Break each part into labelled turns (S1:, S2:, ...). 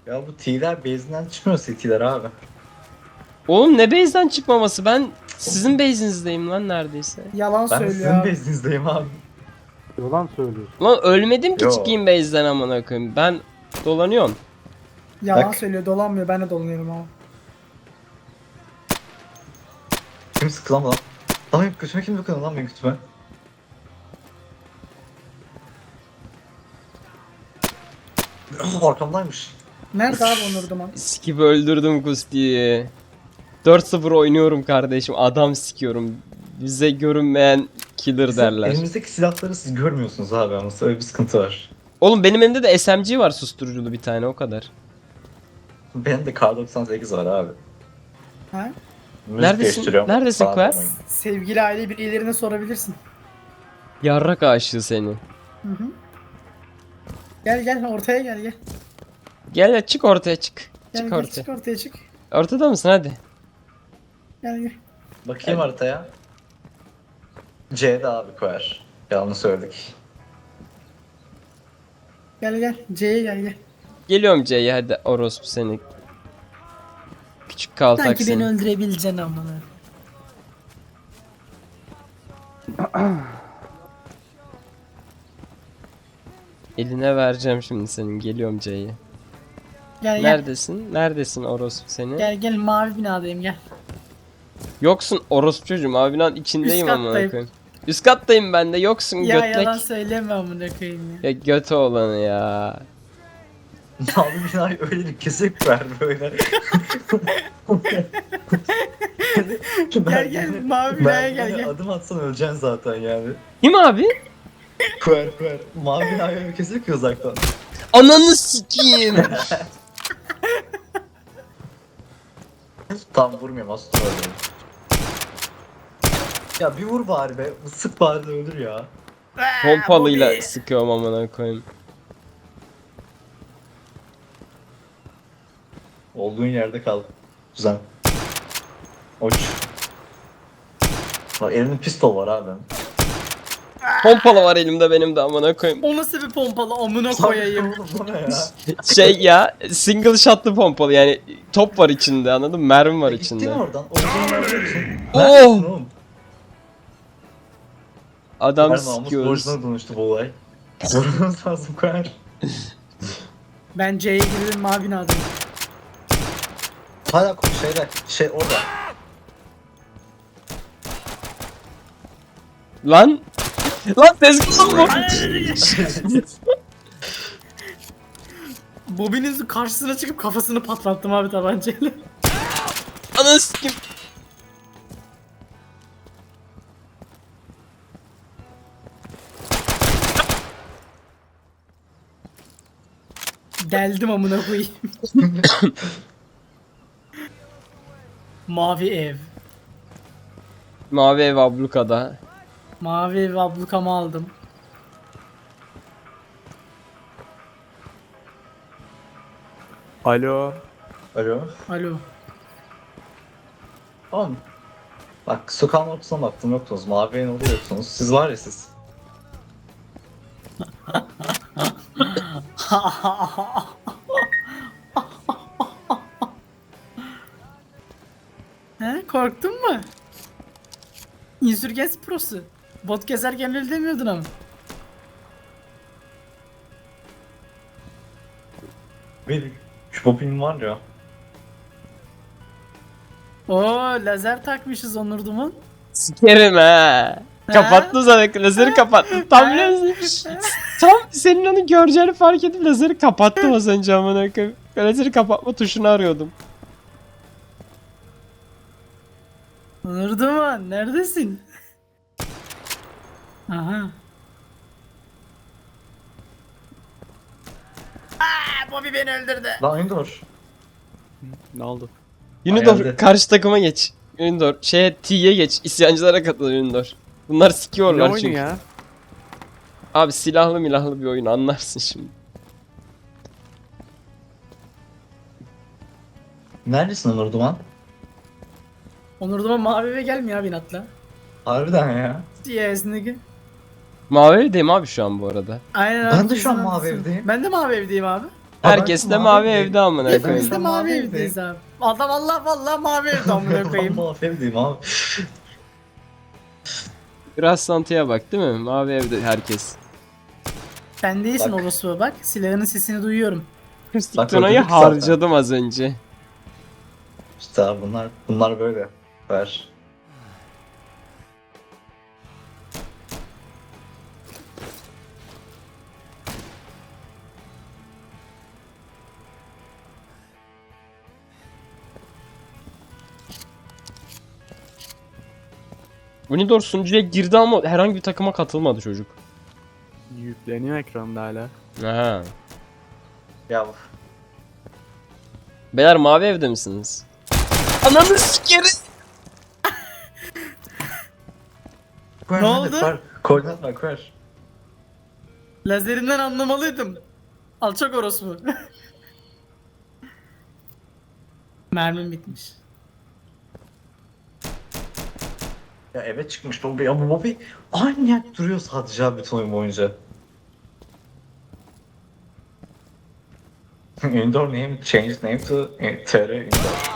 S1: Ya bu T'ler base'inden çıkmıyor CT'ler abi.
S2: Oğlum ne base'den çıkmaması? Ben sizin base'inizdeyim lan neredeyse.
S3: Yalan
S1: Ben de
S3: söylüyor
S1: sizin
S3: abi.
S1: base'inizdeyim abi.
S4: Yalan söylüyorsun.
S2: Lan ölmedim ki
S1: Yo.
S2: çıkayım base'den amına koyayım. Ben dolanıyorum.
S3: Yalan
S1: Bak.
S3: söylüyor, dolanmıyor. Ben de dolanıyorum abi.
S1: Kim sıktı lan bana? Lan benim götüme kim dokundu lan benim götüme? Arkamdaymış.
S3: Nerede abi Onur Duman?
S2: Skip öldürdüm Kusti'yi. 4-0 oynuyorum kardeşim. Adam sikiyorum. Bize görünmeyen killer
S1: Bizim
S2: derler.
S1: elimizdeki silahları siz görmüyorsunuz abi ama öyle bir sıkıntı var.
S2: Oğlum benim elimde de SMG var susturuculu bir tane o kadar.
S1: Benim de K98 var abi.
S3: Ha?
S1: Müzik
S2: Neredesin?
S1: değiştiriyorum
S2: Neredesin
S1: falan
S2: Quer?
S1: demeyin.
S3: Sevgili aile bireylerine sorabilirsin.
S2: Yarrak aşığı seni.
S3: Hı hı. Gel gel ortaya gel gel.
S2: Gel çık ortaya çık.
S3: Gel
S2: Çık
S3: gel
S2: ortaya.
S3: çık ortaya çık.
S2: Ortada mısın hadi.
S3: Gel gel.
S1: Bakayım haritaya. C'de abi koyar. Yanlış söyledik.
S3: Gel gel. C'ye gel gel.
S2: Geliyorum C'ye hadi orospu seni. Küçük kaltak
S3: Sanki beni
S2: seni.
S3: öldürebileceksin amına.
S2: Eline vereceğim şimdi senin. Geliyorum C'ye.
S3: Gel gel.
S2: Neredesin? Neredesin orospu seni?
S3: Gel gel mavi binadayım gel.
S2: Yoksun orospu çocuğum. Abinin içindeyim
S3: Üst
S2: amına
S3: kattayım.
S2: koyayım. Üst kattayım ben de. Yoksun
S3: Ya
S2: götlek.
S3: yalan söyleme amına koyayım ya.
S2: Ya götü olanı ya.
S1: Abi binayı öyle bir kesik ver böyle.
S3: Gel gel mavi binaya gel gel.
S1: Adım atsan öleceksin zaten yani.
S2: Kim abi?
S1: Koyar. Mavi binayı öyle kesik ki uzaktan.
S2: Ananı sikeyim.
S1: Tam vurmuyorum aslında öyle. Ya bir vur bari be. Sık bari de öldür ya.
S2: Pompalıyla sıkıyorum amına koyayım.
S1: Olduğun yerde kal. Güzel. Uç. Bak elinde pistol var abi.
S2: Pompalı var elimde benim de amına koyayım.
S3: O nasıl bir pompalı amına koyayım.
S1: Oğlum bu ne ya?
S2: Şey ya single shotlı pompalı yani top var içinde anladın mı? Mermi var
S1: Gittin
S2: içinde.
S1: oradan. Olduğun yerde için.
S2: Oh!
S1: Neredesin oğlum?
S2: Adam
S1: Her namus
S2: sikiyoruz.
S1: borcuna dönüştü bu olay. Sorunuz lazım koyar.
S3: Ben C'ye girdim mavi binadayım.
S1: Hala şey orada.
S2: Lan! Lan tezgah bu!
S3: Bobby'nin karşısına çıkıp kafasını patlattım abi tabancayla.
S2: Ananı sikeyim.
S3: Deldim amına koyayım. Mavi ev.
S2: Mavi ev ablukada.
S3: Mavi ev ablukamı aldım.
S4: Alo.
S1: Alo.
S3: Alo.
S1: Oğlum. Bak sokağın ortasına baktım yoktunuz. Mavi en oluyorsunuz. Siz var ya siz.
S3: He korktun mu? Insurgens Pro'su. Bot gezerken öyle demiyordun ama.
S1: Benim şu popin var ya.
S3: Oo lazer takmışız Onur Duman.
S2: Sikerim he. Kapattı zaten lazeri kapattı. Tam lazer. Tam senin onu göreceğini fark edip lazeri kapattım az önce amına koyayım. Lazeri kapatma tuşunu arıyordum.
S3: Onur Duman neredesin? Aha. Bobby beni öldürdü.
S1: Lan Endor.
S4: Ne oldu?
S2: Unidor
S1: Hayalde.
S2: karşı takıma geç. Unidor T'ye geç. İsyancılara katıl Unidor. Bunlar
S4: Ne
S2: sikiyorlar
S4: oyunu
S2: çünkü.
S4: ya?
S2: Abi silahlı milahlı bir oyun anlarsın şimdi.
S1: Neredesin Onur Duman?
S3: Onur Duman mavi eve gelmiyor abi inatla.
S1: Harbiden ya.
S3: Yes nigga.
S2: Mavi evdeyim abi şu an bu arada.
S3: Aynen
S1: Ben
S3: abi,
S1: de şu an
S3: kesin
S1: mavi
S3: haklısın.
S1: evdeyim.
S3: Ben de mavi evdeyim abi.
S2: Herkes de mavi evde amına
S3: Hepimiz
S2: koyayım.
S3: de mavi evdeyiz abi. Adam Allah vallahi mavi evde amına koyayım.
S1: Ben mavi evdeyim abi.
S2: Biraz santıya bak değil mi? Mavi evde herkes.
S3: Sen değilsin
S1: Bak.
S3: orospu bak. Silahının sesini duyuyorum.
S2: Kristik
S1: Bak,
S2: Tuna'yı
S1: öldürdük zaten.
S2: harcadım az önce.
S1: İşte abi bunlar böyle. Ver.
S2: Unidor sunucuya girdi ama herhangi bir takıma katılmadı çocuk.
S4: Yükleniyor ekranda hala.
S2: Aha.
S1: Ya
S2: Beyler mavi evde misiniz? Ananı sikeri.
S1: Ver,
S3: Ne
S1: hadi,
S3: oldu?
S1: ver. Koordinat ver ver.
S3: Lazerinden anlamalıydım. Alçak orospu. Mermim bitmiş.
S1: Ya eve çıkmış Bobby ama Bobby aynı yer duruyor sadece abi bütün oyun boyunca. Indoor name change name to TR Indoor.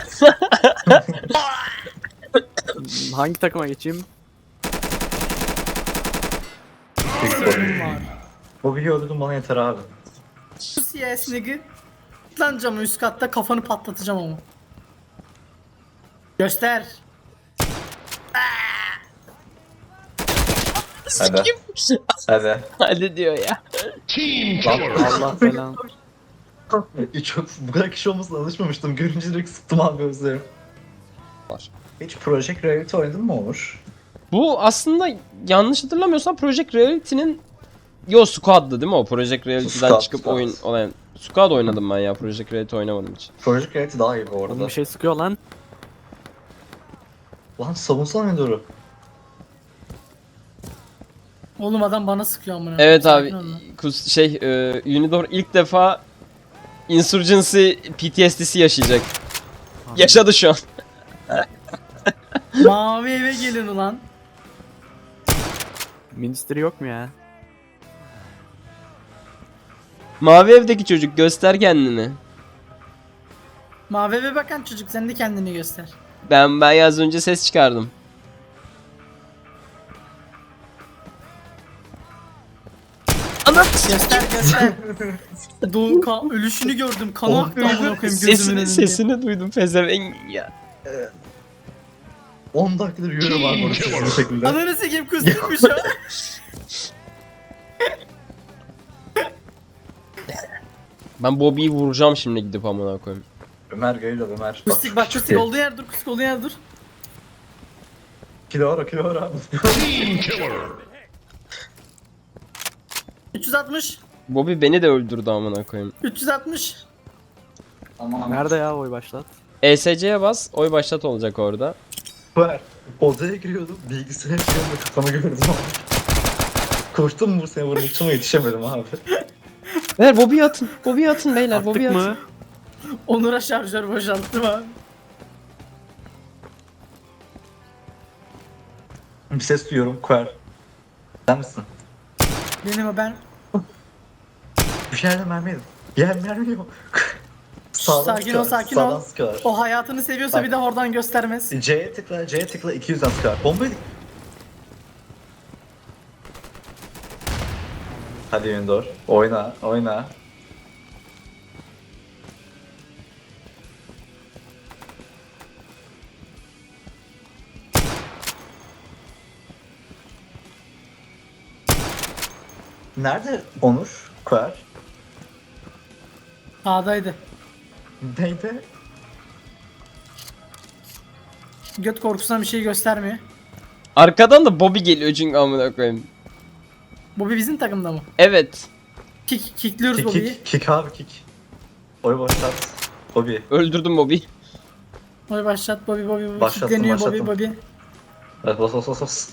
S4: Hangi takıma geçeyim?
S3: Sorunum var.
S1: Bobby'yi öldürdüm bana yeter abi.
S3: Pussy ass nigga. Lan camı üst katta kafanı patlatacağım ama. Göster.
S1: Hadi. Hadi.
S2: Hadi diyor ya.
S1: Lan
S4: Allah falan.
S1: çok bu kadar kişi olmasına alışmamıştım. Görünce direkt sıktım abi gözlerim.
S2: Var.
S1: Hiç Project Reality oynadın mı Onur?
S2: Bu aslında yanlış hatırlamıyorsam Project Reality'nin Squad'dı değil mi o? Project Reality'den
S1: Squad,
S2: çıkıp
S1: Squad.
S2: oyun olan Squad oynadım ben ya. Project Reality oynamadım hiç.
S1: Project Reality daha iyi bu
S4: Oğlum
S1: arada.
S4: bir şey sıkıyor lan.
S1: Lan savunsana Indor'u.
S3: Oğlum adam bana sıkıyor amına.
S2: Evet abi.
S3: Sakin ol lan.
S2: Unidor ilk defa Insurgency PTSD'si yaşayacak. Yaşadı şu an.
S3: Mavi eve gelin ulan.
S4: Ministry yok mu ya?
S2: Mavi evdeki çocuk göster kendini.
S3: Mavi eve bakan çocuk sen de kendini göster.
S2: Ben az önce ses çıkardım. Anam
S3: Göster göster. Ölüşünü gördüm. Kanı aktı amına koyayım gözümün önünde.
S2: sesini duydum pezevenk ya.
S1: 10 dakikadır yürüyorum abi orası sizin şekilde.
S3: Ananı sikeyim kusturmuş ha.
S2: Ben Bobby'yi vuracağım şimdi gidip amına koyayım.
S1: Ömer geliyor Ömer.
S3: Kustik bak kustik olduğu yer dur kustik olduğu yer dur.
S1: Kilo ara abi.
S3: 360.
S2: Bobby beni de öldürdü amına koyayım.
S3: 360.
S1: Aman.
S4: Nerede ya oy başlat?
S2: ESC'ye bas, oy başlat olacak orada.
S1: Ver. Odaya giriyordum. Bilgisayar ekranında kafanı gördüm abi. Koştum bu seni vurmak için ama yetişemedim abi.
S2: Beyler Bobby'yi atın. Bobby'yi atın beyler.
S4: Attık
S2: Bobby'yi atın.
S4: mı?
S3: Onur'a şarjör boşalttım abi.
S1: Bir ses duyuyorum. Kuer. Sen misin?
S3: Benim o ben.
S1: Bir yerden mermi yedim. Yer mermi yok. Sağdan
S3: Sakin ol,
S1: sıkıyorlar,
S3: sakin
S1: sağdan
S3: ol.
S1: sıkıyorlar.
S3: O hayatını seviyorsa
S1: Bak.
S3: bir de oradan göstermez.
S1: C'ye tıkla 200'den sıkar. Bombayı... Hadi Yundor. Oyna. Nerede Onur? Kuer?
S3: Sağdaydı.
S1: Neydi?
S3: Göt korkusundan bir şey göstermiyor.
S2: Arkadan da Bobby geliyor çünkü amına koyayım.
S3: Bobby bizim takımda mı?
S2: Evet.
S3: Kickliyoruz Bobby'yi.
S1: Kick abi kick. Oy başlat. Bobby.
S2: Öldürdüm Bobby.
S3: Bobby başlat Bobby.
S1: Başlattım,
S3: Kickleniyor
S1: başlattım.
S3: Bobby.
S1: Evet bas.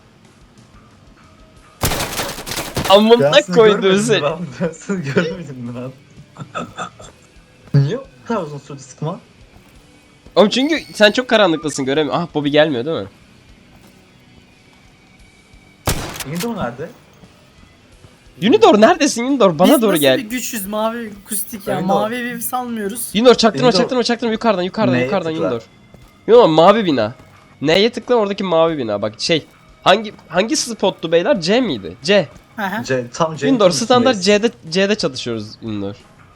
S2: Amına koydu
S1: görmedin
S2: seni.
S1: mi lan? Dersini görmedin mi lan? Niye o kadar uzun sürdü sıkma?
S2: Oğlum çünkü sen çok karanlıktasın göremiyorum. Ah Bobby gelmiyor değil mi?
S1: Yine nerede?
S2: Unidor neredesin Unidor? Bana
S3: Biz
S2: doğru
S3: nasıl
S2: gel.
S3: bir güçüz mavi kustik ya.
S1: Unidor.
S3: Mavi evi salmıyoruz.
S2: Unidor çaktırma
S1: Unidor.
S2: çaktırma çaktırma yukarıdan yukarıdan
S1: Neye
S2: yukarıdan
S1: tıkla?
S2: Unidor. Unidor mavi bina. Neye tıkla oradaki mavi bina bak şey. Hangi spottu beyler? C miydi? C.
S3: Hı hı.
S1: Tam C'nin
S2: Unidor
S1: üstündeyiz.
S2: standart C'de çalışıyoruz Unidor.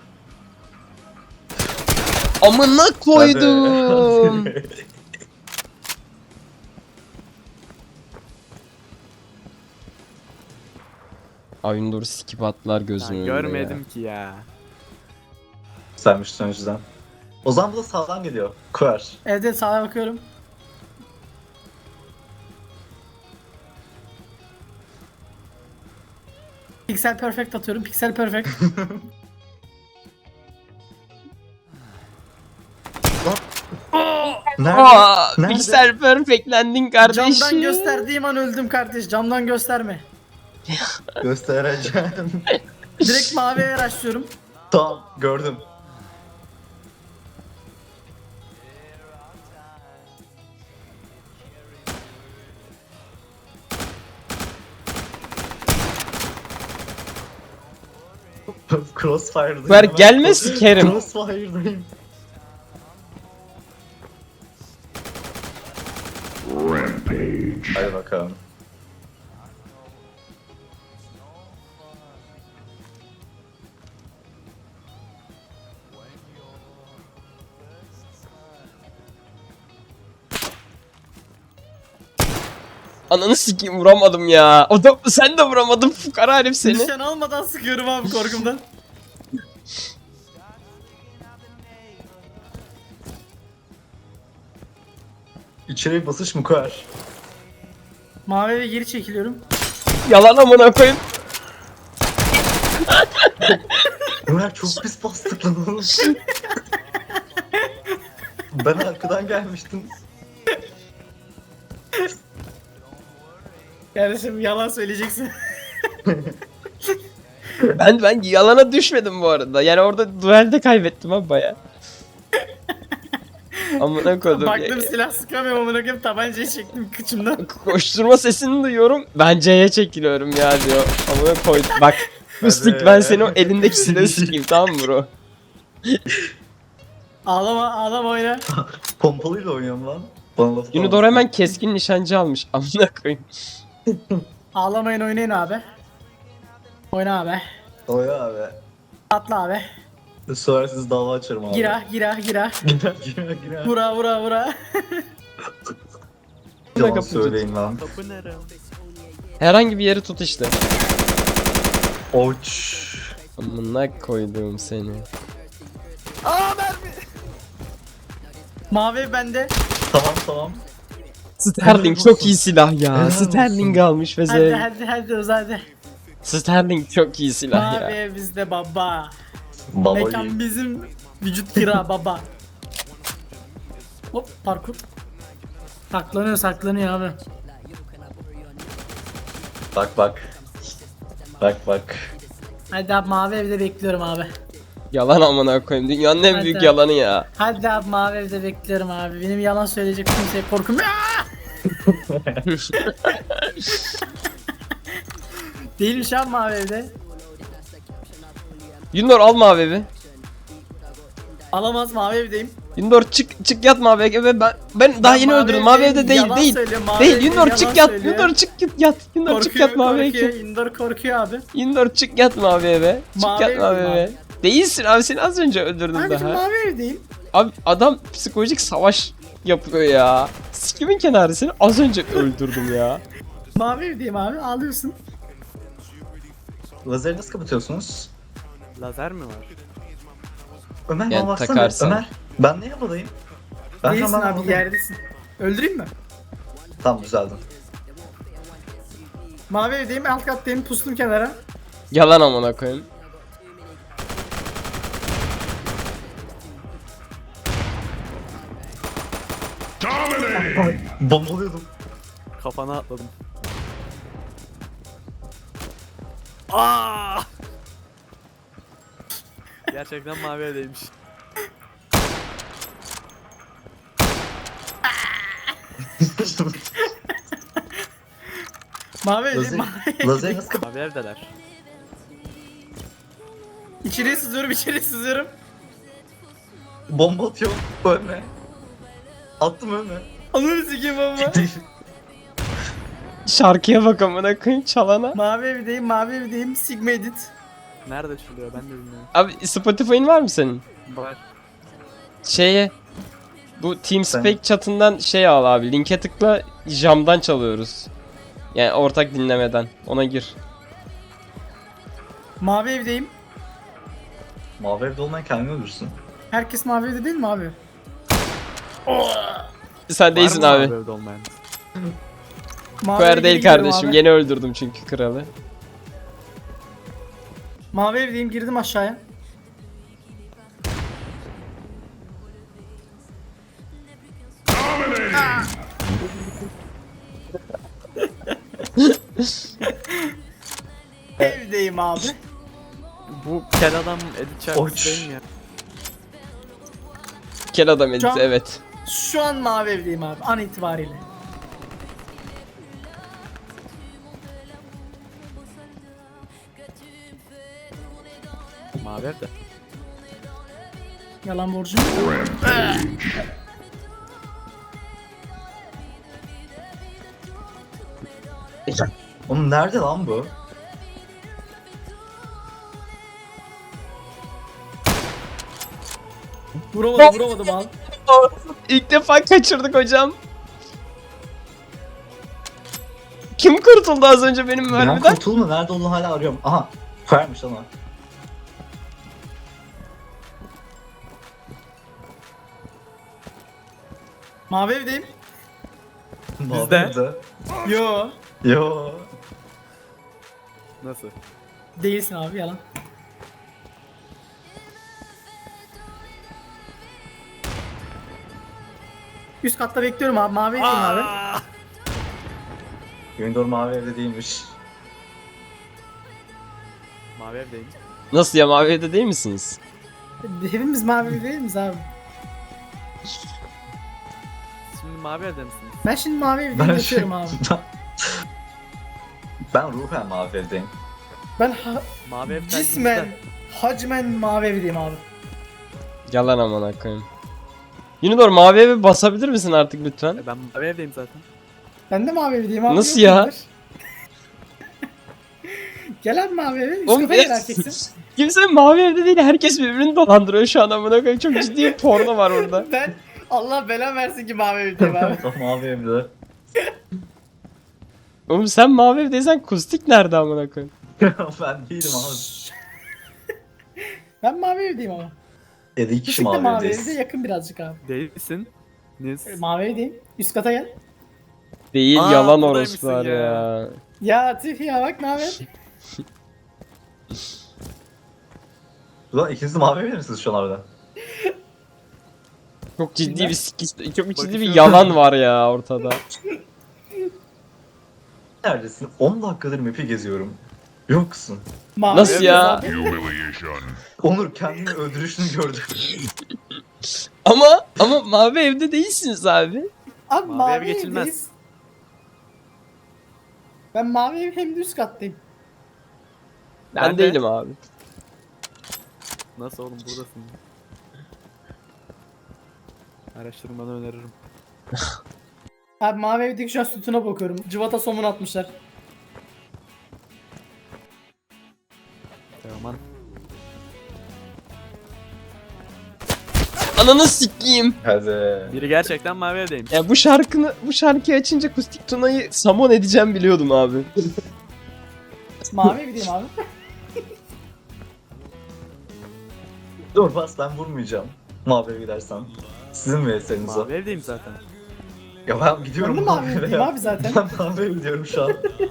S2: Amına koydum.
S1: Hadi.
S2: Ay Unidor'u skip attılar
S4: Ben
S2: gözümün önünde
S4: görmedim
S2: ya.
S4: ki ya.
S1: Güzelmiş önceden. O zaman bu da sağdan geliyor. Kuer.
S3: Evet sağa bakıyorum. Pixel perfect atıyorum. Pixel perfect.
S1: Nerede?
S2: Aa,
S1: Nerede?
S2: Pixel perfectlendin kardeşim.
S3: Camdan gösterdiğim an öldüm kardeş. Camdan gösterme.
S1: Göstereceğim.
S3: Direkt maviye araştırıyorum.
S1: Tamam gördüm. Crossfire'dayım.
S2: Ver
S1: hemen.
S2: gelme sikerim.
S1: Crossfire'dayım. Hadi bakalım.
S2: Ananı sikeyim vuramadım ya. O da sen de vuramadın fukara herif seni.
S3: Nişan almadan sıkıyorum abi korkumdan.
S1: İçeri bir basış mı koyar?
S3: Mavi eve geri çekiliyorum.
S2: Yalan amına koyayım.
S1: Ömer çok pis bastık lan oğlum. Ben arkadan gelmiştim.
S3: Kardeşim yalan söyleyeceksin.
S2: Ben yalana düşmedim bu arada. Yani orada duelde kaybettim abi baya. Amına koydum.
S3: Baktım silah sıkamıyorum amına koyayım tabancayı çektim kıçımdan.
S2: Koşturma sesini duyuyorum. Ben C'ye çekiliyorum ya diyor. Amına koydum. Bak. Fıstık
S1: Hadi.
S2: ben seni o elindeki silahı sikeyim tamam mı bro?
S3: Ağlama oyna.
S1: Pompalıyla oynuyorum lan. Bana laf
S2: Unidor hemen keskin nişancı almış. Amına koyayım.
S3: Ağlamayın oynayın abi. Oyna abi.
S1: Oya abi.
S3: Atla abi.
S1: Sonra siz dava açarım abi.
S3: Gira.
S1: Gira.
S3: Vura.
S1: Yalan
S2: Kapı
S1: söyleyin lan.
S4: Kapı nere?
S2: Herhangi bir yeri tut işte.
S1: Oç.
S2: Amına koydum seni.
S3: Mavi bende.
S1: Tamam.
S2: Sterling çok iyi silah ya.
S1: Helal
S2: Sterling
S1: olsun.
S2: almış ve
S3: Hadi uzadı.
S2: Sterling çok iyi silah
S3: Mavi
S2: ya.
S3: ev bizde baba.
S1: Babayı.
S3: Mekan bizim. Vücut kira baba. Hop parkur. Saklanıyor abi.
S1: Bak.
S3: Hadi abi mavi evde bekliyorum abi.
S2: Yalan amına koyayım. Dünyanın en
S3: Hadi.
S2: büyük yalanı ya.
S3: Hadi abi mavi evde bekliyorum abi. Benim yalan söyleyecek kimseye korkum. Değilmiş abi mavi evde.
S2: Yundor al mavi evi.
S3: Alamaz mavi evdeyim.
S2: Yundor çık yat mavi eve. Ben daha yeni
S3: mavi
S2: öldürdüm. Mavi
S3: evdeyim,
S2: evde değil
S3: yalan
S2: değil.
S3: söylüyor, mavi
S2: Değil
S3: evde
S2: Yundor
S3: yalan
S2: çık yat.
S3: söylüyor.
S2: Yundor çık yat. Yundor çık yat mavi eve.
S3: Indor korkuyor abi.
S2: Yundor çık yat mavi eve. Çık
S3: Mavi
S2: yat
S3: evdeyim
S2: mavi
S3: abi.
S2: eve. Değilsin abi seni az önce öldürdüm
S3: Kardeşim
S2: daha.
S3: mavi evdeyim.
S2: Abi adam psikolojik savaş yapıyor ya. Sikimin kenarı seni az önce öldürdüm ya.
S3: Mavi evdeyim abi ağlıyorsun.
S1: Lazeri nasıl kapatıyorsunuz?
S4: Lazer mi var?
S1: Ömer
S2: Yani
S1: bana baksana.
S2: takarsan.
S1: Ömer. Ben ne yapayım? Ben
S3: Değilsin
S1: hemen
S3: abi
S1: anladım.
S3: yerdesin. Öldüreyim mi?
S1: Tamam düzeldim.
S3: Mavi evdeyim alt kattayım pustum kenara.
S2: Yalan amına koyayım.
S1: Bombalıyordum.
S4: Kafana atladım. Aa! Gerçekten mavi evdeymiş.
S3: Mavi evdeyim.
S1: Lazer,
S3: Mavi
S1: lazeri nasıl kapat?
S4: Mavi evdeler.
S3: İçeriye sızıyorum, içeriye sızıyorum.
S1: Bomba atıyor. Ölme. Attım ölme.
S3: Ananı sikeyim baba.
S2: Şarkıya bak amına koyayım çalana.
S3: Mavi evdeyim, mavi evdeyim. Sigma edit.
S4: Nerede çalıyor ben de bilmiyorum.
S2: Abi Spotify'ın var mı senin?
S4: Var.
S2: Şeye bu TeamSpeak chatından şey al abi. Linke tıkla, jamdan çalıyoruz. Yani ortak dinlemeden. Ona gir.
S3: Mavi evdeyim.
S1: Mavi evde olmayan kendini öldürsün.
S3: Herkes mavi evde değil mi abi?
S2: Sen değilsin
S4: Var mı
S2: abi.
S4: evde olmayan?
S3: Mavi
S2: Kuer
S3: evde
S2: değil
S3: gidiyorum
S2: kardeşim.
S3: abi.
S2: Yeni öldürdüm çünkü kralı.
S3: Mavi evdeyim, girdim aşağıya. Evdeyim abi.
S4: Bu kel adam edit şarkısı
S1: Oç.
S4: değil mi ya?
S2: Kel adam edit
S3: Can-
S2: evet.
S3: Şu an mavi evdeyim abi an itibariyle.
S4: Mavi evde.
S3: Yalan borcum.
S1: Oğlum nerede lan bu?
S3: Vuramadım abi.
S2: İlk defa kaçırdık hocam. Kim kurtuldu az önce benim
S1: Ben
S2: mermiden?
S1: kurtulma nerede olduğunu hala arıyorum. Aha. Koyarmış ama.
S3: Mavi evdeyim.
S4: Bizde.
S1: Evde.
S3: Yo.
S1: Yo.
S4: Nasıl?
S3: Değilsin abi yalan. Üst katta bekliyorum abi. Mavi evdeyim abi.
S1: Gündor mavi evde değilmiş.
S4: Mavi evdeyim.
S2: Nasıl ya, mavi evde değil misiniz?
S3: Hepimiz mavi evde değil miyiz abi?
S4: Şimdi mavi evde misiniz?
S3: Ben şimdi mavi evdeyim yatıyorum abi.
S1: Ben ruhen mavi evdeyim.
S3: Ben
S4: Mavi evden
S3: cismen, hacmen mavi evdeyim abi.
S2: Yalan amına koyayım. Unidor mavi eve basabilir misin artık lütfen?
S4: Ben mavi evdeyim zaten.
S3: Ben de mavi evdeyim abi.
S2: Nasıl
S3: yok
S2: ya?
S3: mudur? Gel abi mavi eve. Üst
S2: Oğlum
S3: kata gel erkeksin.
S2: kimse mavi evde değil, herkes birbirini dolandırıyor şu an amına koyayım. Çok ciddi bir porno var orada.
S3: Ben Allah bela versin ki mavi evdeyim abi.
S1: Mavi evde.
S2: Oğlum sen mavi evdeysen kustik nerede amına koyayım?
S1: Ben değilim abi.
S3: Ben mavi evdeyim ama.
S1: 7 kişi
S3: Küçük de
S1: mavi
S3: mavi
S1: evdeyiz.
S3: evde yakın birazcık abi.
S4: Değilsin. Niz.
S3: Mavi evdeyim. Üst kata gel.
S2: Değil,
S4: Aa,
S2: yalan
S4: buradaymışsın
S2: orospular
S4: ya.
S2: ya.
S3: Ya tüh ya bak ne haber?
S1: Ulan ikiniz de mavi evde misiniz şu an orada?
S2: Çok ciddi
S3: Ne?
S2: bir çok ciddi bir
S4: Bakışıyorum.
S2: yalan var ya ortada.
S1: Neredesin? 10 dakikadır map'i geziyorum. Yoksun.
S3: Mavi
S2: Nasıl
S3: evdeyiz
S2: ya?
S3: abi.
S5: Humiliation.
S1: Onur kendini öldürüşünü gördüm.
S2: Ama mavi evde değilsiniz abi.
S3: Abi
S4: Mavi
S3: mavi,
S4: ev geçilmez.
S3: evdeyiz. Ben mavi ev hem de üst kattayım.
S2: Ben,
S4: Ben de.
S2: değilim abi.
S4: Nasıl oğlum buradasın? Araştırmanı öneririm.
S3: Abi mavi evdeki şu an sütuna bakıyorum. Cıvata somun atmışlar.
S4: Aman.
S2: Ananı sikeyim.
S1: Hadi.
S4: Biri gerçekten mavi evdeymiş.
S2: Ya bu şarkıyı açınca Kustik Tuna'yı samon edeceğim biliyordum abi.
S3: Mavi evdeyim abi.
S1: Dur bas ben vurmayacağım. Mavi eve gidersem. Sizin VS'niz o.
S4: Mavi evdeyim zaten.
S1: Ya ben gidiyorum
S3: Ben de mavi evdeyim abi zaten.
S1: Ben mavi eve gidiyorum şu an.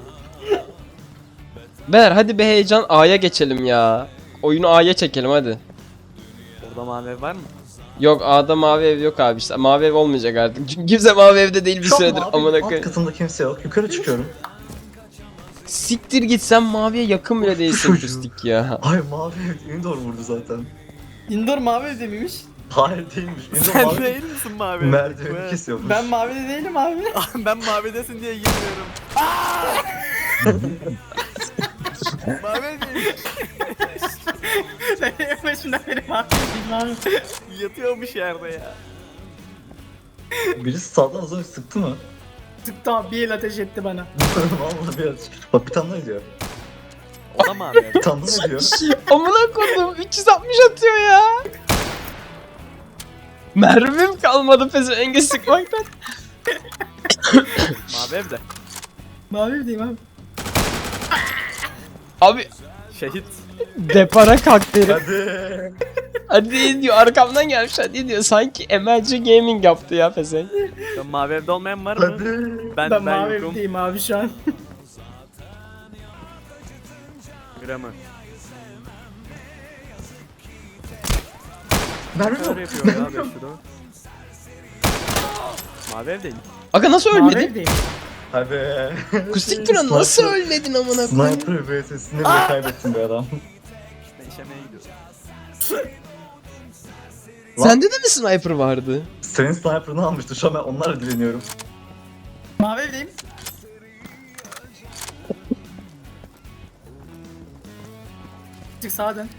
S2: Ber hadi be heyecan, A'ya geçelim ya. Oyunu A'ya çekelim hadi.
S4: Orada mavi ev var mı?
S2: Yok, A'da mavi ev yok abi, işte mavi ev olmayacak artık. Çünkü kimse mavi evde değil bir
S1: Şu an
S2: süredir
S1: mavi
S2: amına
S1: alt
S2: koyayım.
S1: katında kimse yok. Yukarı çıkıyorum.
S2: Siktir git, sen maviye yakın bile değilsin
S1: Çocuğu.
S2: Kustik ya.
S1: Hayır mavi ev Indoor vurdu zaten.
S3: Indoor mavi evde miymiş?
S1: Hayır değilmiş. Indoor
S4: Sen
S1: mavi
S4: değil misin mavi evde?
S1: merdiveni kesiyormuş.
S3: Ben mavide değilim abi.
S4: Ben mavidesin diye girmiyorum. mavi evdeyim.
S3: En başından beri mavi değilim abi.
S4: Yatıyormuş yerde ya.
S1: Birisi sağdan az önce sıktı mı?
S3: Tıktı abi bir el ateş etti bana.
S1: Vallahi bir ateş. Bak bir tane daha ediyor.
S4: O da mavi ev.
S1: Bir tane daha ediyor.
S2: Amına koydum 360 atıyor ya. Mermim kalmadı pezevengi sıkmaktan.
S4: Mavi evde.
S3: Mavi değilim abi.
S2: Abi
S4: Şehit.
S2: depara kalktı herif.
S1: Hadi.
S2: Hadi diyor arkamdan gelmiş hadi diyor. Sanki MLG Gaming yaptı ya pezevenk.
S4: Şu an mavi evde olmayan var mı?
S1: Hadi.
S3: Ben mavi
S4: yokum.
S3: değilim abi şu an.
S4: Gramı.
S1: Mermi
S4: Öyle
S1: yok.
S4: yapıyor ya 5 şurada. Mavi evdeyim.
S2: Aga nasıl
S3: Mavi
S2: ölmedin?
S3: değilim.
S1: Hadi.
S2: Kustik duran nasıl ölmedin amına koyayım?
S1: Sniper VS'sini bile kaybettin be adam.
S4: Ben işemeye gidiyorum.
S2: Sende de mi sniper vardı?
S1: Senin sniper'ını almıştı. Şu an ben onlarla dileniyorum.
S3: Mavi evdeyim. Çık sağa dön.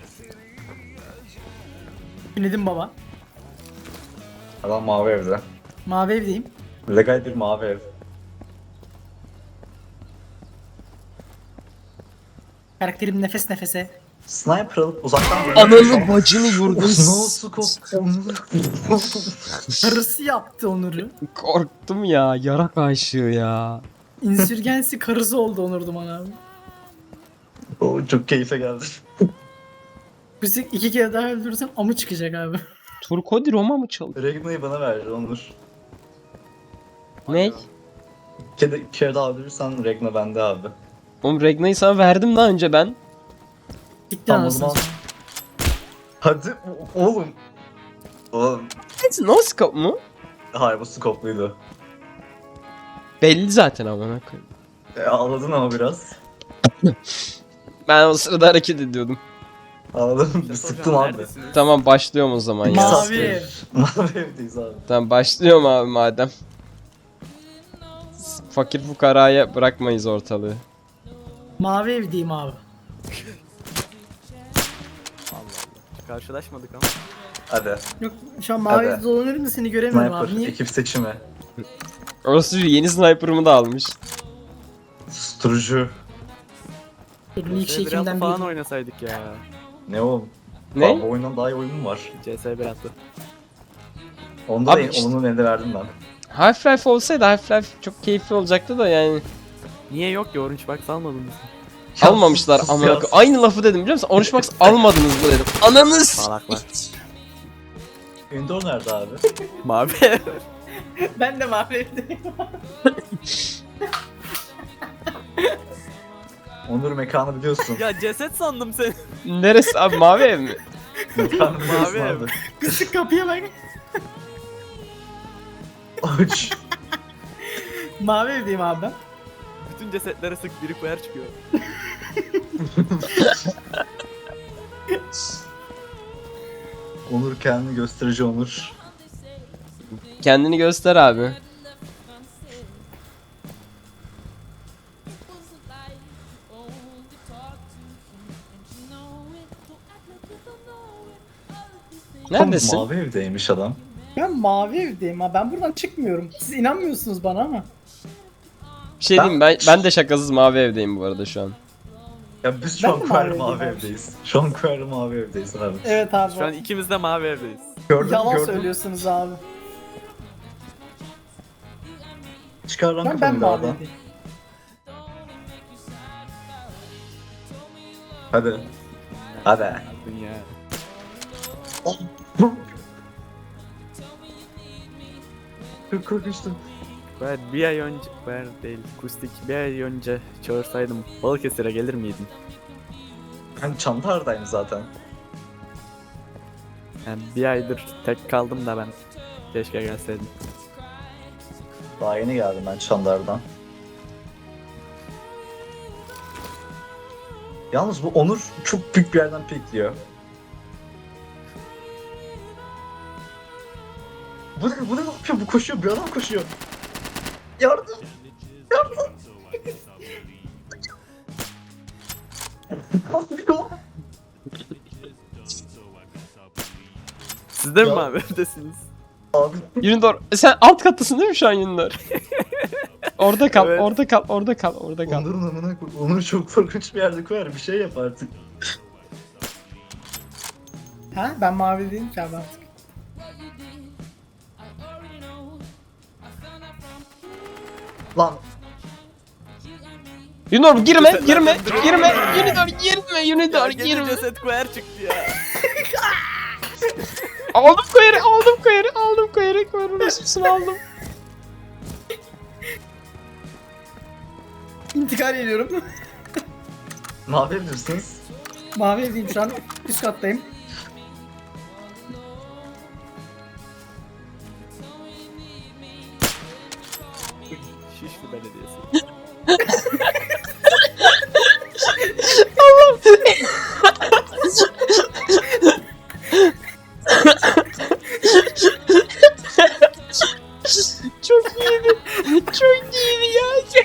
S3: Dinledim baba.
S1: Adam mavi evde.
S3: Mavi evdeyim.
S1: Legal bir mavi ev.
S3: Karakterim nefes nefese.
S1: Sniper alıp uzaktan
S2: Ananı bacını yurdun.
S1: No scope.
S3: Karısı yaptı Onur'u.
S2: Korktum ya yarak aşığı ya.
S3: İnsürgensi karısı oldu Onur Duman abi.
S1: O çok keyfe geldi.
S3: Bizi 2 kere daha öldürürsen amı çıkacak abi.
S2: Turkodi Roma mı çaldı?
S1: Regna'yı bana ver Onur.
S2: Ne?
S1: İki kere daha öldürürsen Regna bende abi.
S2: Oğlum Regna'yı sana verdim daha önce ben.
S3: Gitti
S1: Tamam, o
S3: anasını.
S1: zaman- Hadi oğlum. Oğlum.
S2: No scope mu?
S1: Hayır bu scope'luydu.
S2: Belli zaten amına koyayım.
S1: Ağladın ama biraz.
S2: Ben o sırada hareket ediyordum.
S1: Ağladın. Bir sıktın abi.
S4: Neredesiniz?
S2: Tamam başlıyorum o zaman ya.
S3: Mavi
S1: saat
S3: ev.
S1: verir. Mavi evdeyiz abi.
S2: Tamam başlıyorum abi madem. Fakir fukaraya bırakmayız ortalığı.
S3: Mavi evdeyim abi.
S4: Karşılaşmadık ama.
S1: Hadi.
S3: Yok şu an mavi
S1: Hadi.
S3: evde dolanıyorum da seni göremiyorum
S1: Sniper.
S3: abi. Niye?
S1: Ekip seçimi.
S2: Orası yeni sniper'ımı da almış.
S1: Susturucu.
S3: Benim ilk şey
S4: CS 1.6
S3: kimden
S4: falan
S3: değil.
S4: oynasaydık ya.
S1: Ne oğlum?
S2: Ne?
S1: Abi, bu oyundan daha iyi oyun mu var?
S4: CS 1.6.
S1: Onda
S2: Abi
S1: da
S2: işte-
S1: onun elinde verdim ben.
S2: Half-Life olsaydı Half-Life çok keyifli olacaktı da yani.
S4: Niye yok ki Orange Box almadınız?
S2: Almamışlar
S1: sus
S2: amına
S1: ya.
S2: koyayım. Aynı lafı dedim biliyor musun? Orange Box almadınız mı dedim. Ananız.
S4: Salaklar.
S1: Indoor nerede abi?
S4: Mavi.
S3: Ben de mavi evdeyim.
S1: Onur mekanı biliyorsun.
S4: Ya ceset sandım seni.
S2: Neresi abi mavi ev mi?
S1: Mekanı biliyorsun
S4: Mavi ev.
S1: abi.
S3: Kısık kapıya bak.
S1: Aç.
S3: Mavi evdeyim abi ben.
S4: Bütün cesetlere sık biri koyar çıkıyor.
S1: Onur kendini gösterici Onur.
S2: Kendini göster abi. Neredesin?
S1: Mavi evdeymiş adam.
S3: Ben mavi evdeyim ha. Ben buradan çıkmıyorum. Siz inanmıyorsunuz bana ama.
S2: Bir şey diyeyim ben de şakasız mavi evdeyim bu arada şu an.
S1: Ya biz
S3: Ben
S1: şu an
S3: de
S1: Kuer
S3: mavi
S1: mavi
S3: evdeyim abi.
S1: evdeyiz. Şu an Kuer mavi evdeyiz abi.
S3: Evet abi.
S4: Şu an ikimiz de mavi evdeyiz.
S1: Gördün
S3: Yalan
S1: gördün.
S3: söylüyorsunuz abi.
S1: Çıkar lan
S3: Ben
S1: kafanı bir
S3: mavi
S1: oradan.
S3: evdeyim.
S1: Hadi. Hadi.
S4: Dünya.
S1: Çok korkmuştum.
S4: Ben bir ay önce, ben değil, Kustik bir ay önce çağırsaydım Balıkesir'e gelir miydin?
S1: Ben Çandar'dayım zaten.
S4: Yani bir aydır tek kaldım da ben. Keşke gelseydim.
S1: Daha yeni geldim ben Çandar'dan. Yalnız bu Onur çok büyük bir yerden pikliyor. Bu ne yapıyor? Bu koşuyor. Bir adam koşuyor. Yardım. Yardım.
S4: Siz de mi
S1: Ya.
S4: mavi evdesiniz?
S1: Abi
S2: Unidor sen alt kattasın değil mi şu an Unidor? Orada kal,
S4: Evet.
S2: orada kal, orada kal, orada kal.
S1: Onur'un amına koy. Onur çok korkunç bir yerde koyar. Bir şey yap artık.
S3: Ha ben mavi değilim ki abi artık.
S1: Lan
S2: Unidor girme,
S4: Cesetlerden
S2: girme,
S4: biri-
S2: girme. Unidor girme, Unidor
S4: Gene
S2: girme.
S4: ceset koyar çıktı ya.
S2: Aldım koyarı, aldım koyarı, aldım koyarı, koyarı resusunu aldım.
S3: İntikal ediyorum.
S1: ne yapabilirsiniz?
S3: Mavi evdeyim şu an. Üst kattayım.
S4: Şişli Belediyesi.
S2: Çok iyiydi. Çok iyiydi ya.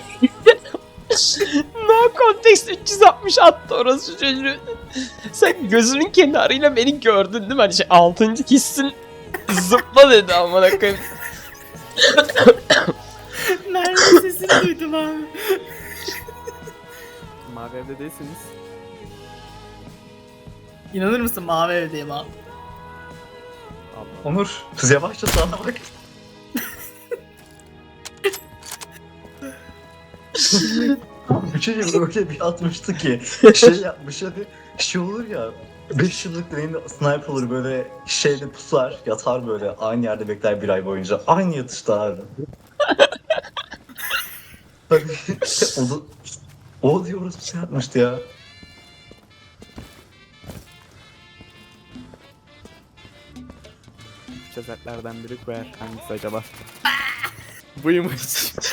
S2: No context 360 attı orası çocuğu. Sen gözünün kenarıyla beni gördün değil mi? Hani şey 6. hissin zıpla dedi amına koyayım.
S3: Nerede sesini duydum abi.
S4: Mavi evde değilsiniz.
S3: İnanır mısın mavi evdeyim abi.
S4: Allah.
S1: Onur kız yavaşça sana bak. Bir şey öyle bir atmıştı ki şey yapmış hani şey olur ya 5 yıllık deneyimli sniper olur böyle şeyde pusar yatar böyle aynı yerde bekler bir ay boyunca aynı yatışta abi. Hani o da o diyoruz bir şey yapmıştı ya.
S4: Cesetlerden biri koyar. Hangisi acaba? Buymuş.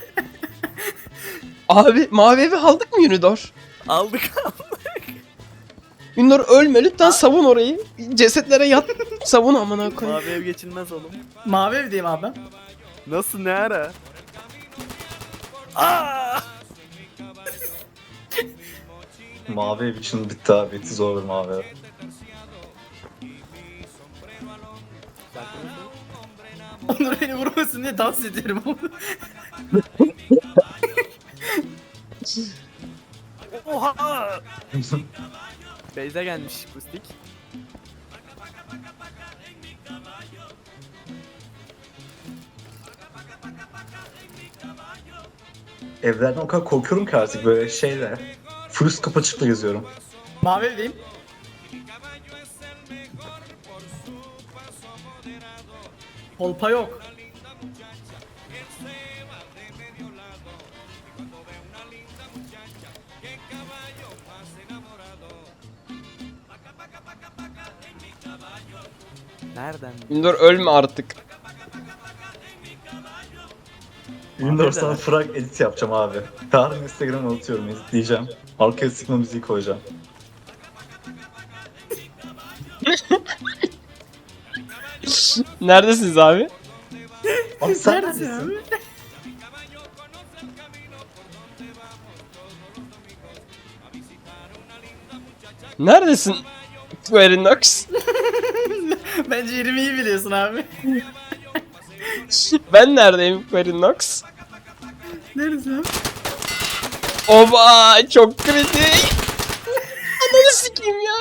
S2: Abi mavi evi aldık mı Unidor?
S4: Aldık.
S2: Unidor ölme lütfen savun orayı. Cesetlere yat. Savun amına koyayım.
S4: Mavi ev geçilmez oğlum.
S3: Mavi evdeyim abi ben.
S4: Nasıl ne ara? Aa!
S1: Mavi ev için bitti abi bitti zor bir mavi ev.
S3: Onur beni vurmasın diye dans ediyorum.
S4: Oha! Beyza gelmiş Kustik.
S1: Evlerden o kadar korkuyorum ki artık böyle şeyle. Full üst kapı açıkla geziyorum.
S3: Mavi evdeyim. Kolpa yok.
S4: Nereden?
S2: Unidor ölme artık.
S1: Windows sana frag edit yapacağım abi. Yarın Instagram'a atıyorum editleyeceğim. Arkaya sıkma müziği koyacağım.
S2: Neredesiniz abi?
S1: Abi sen
S3: Neredesin
S1: neredesin?
S3: abi?
S2: Neredesin? Querinox.
S3: Bence yerimi iyi biliyorsun abi.
S2: Ben neredeyim Querinox?
S3: Neredesin abi?
S2: Oba çok kritik. Ananı sikeyim ya.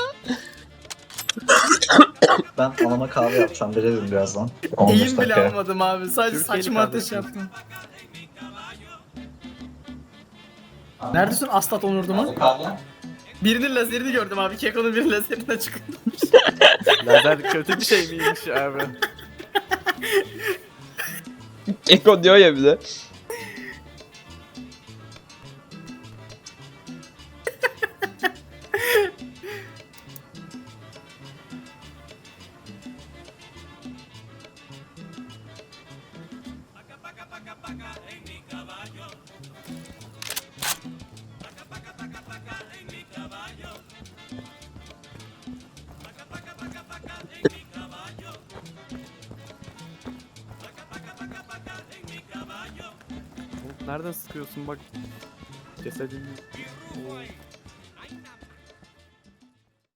S1: Ben anama kahve yapacağım. Verelim birazdan. 15
S3: Eğim bile
S1: dakika.
S3: almadım abi. Sadece
S4: Türkiye'li
S3: saçma ateş
S4: kardeşim.
S3: yaptım. Neredesin Aslat Onurduman? Birinin lazerini gördüm abi. Keko'nun bir lazerine çıktı.
S4: Lazer kötü bir şey miymiş abi?
S2: Eko diyor ya bize.
S4: Oğlum nereden sıkıyorsun bak. Cesedin... Oo.